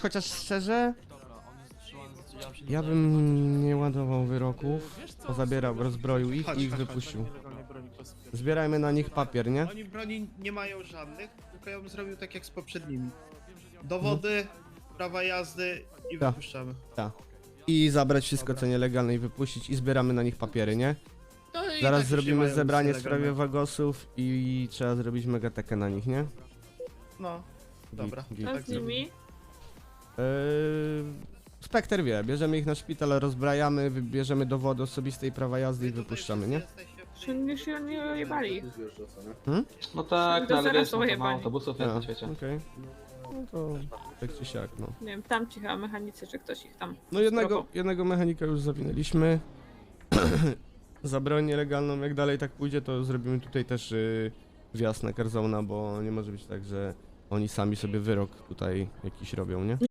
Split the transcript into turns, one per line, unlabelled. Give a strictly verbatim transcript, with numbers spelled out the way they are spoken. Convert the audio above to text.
chociaż szczerze, ja bym nie ładował wyroków, pozabierał, rozbroił ich i ich wypuścił. Zbierajmy na nich papier, nie?
Oni broni nie mają żadnych, tylko ja bym zrobił tak jak z poprzednimi. Dowody, prawa jazdy i
Tak.
wypuszczamy.
Tak. I zabrać wszystko co nielegalne i wypuścić i zbieramy na nich papiery, nie?
No i
Zaraz
tak się
zrobimy
mają
zebranie w
nielegalne.
sprawie wagosów i trzeba zrobić megatekę na nich, nie?
No, dobra.
Git, git.
A
Tak
z nimi?
Yy, Spekter wie, bierzemy ich na szpital, rozbrajamy, wybierzemy dowody osobiste i prawa jazdy i
Wy tutaj
wypuszczamy,
wszyscy
nie?
jesteście w-
Że nie się nie ojebali.
No tak,
To
no ale
zaraz
wiesz, no, to ma
pojebani.
autobusów jest
A,
na świecie.
okej. No to tak czy siak, no.
Nie wiem, tam ci chyba mechanicy, czy ktoś ich tam.
No jednego,
Spoko.
jednego mechanika już zawinęliśmy. Za broń nielegalną, jak dalej tak pójdzie, to zrobimy tutaj też yy, wjazd na Carzona, bo nie może być tak, że oni sami sobie wyrok tutaj jakiś robią, nie?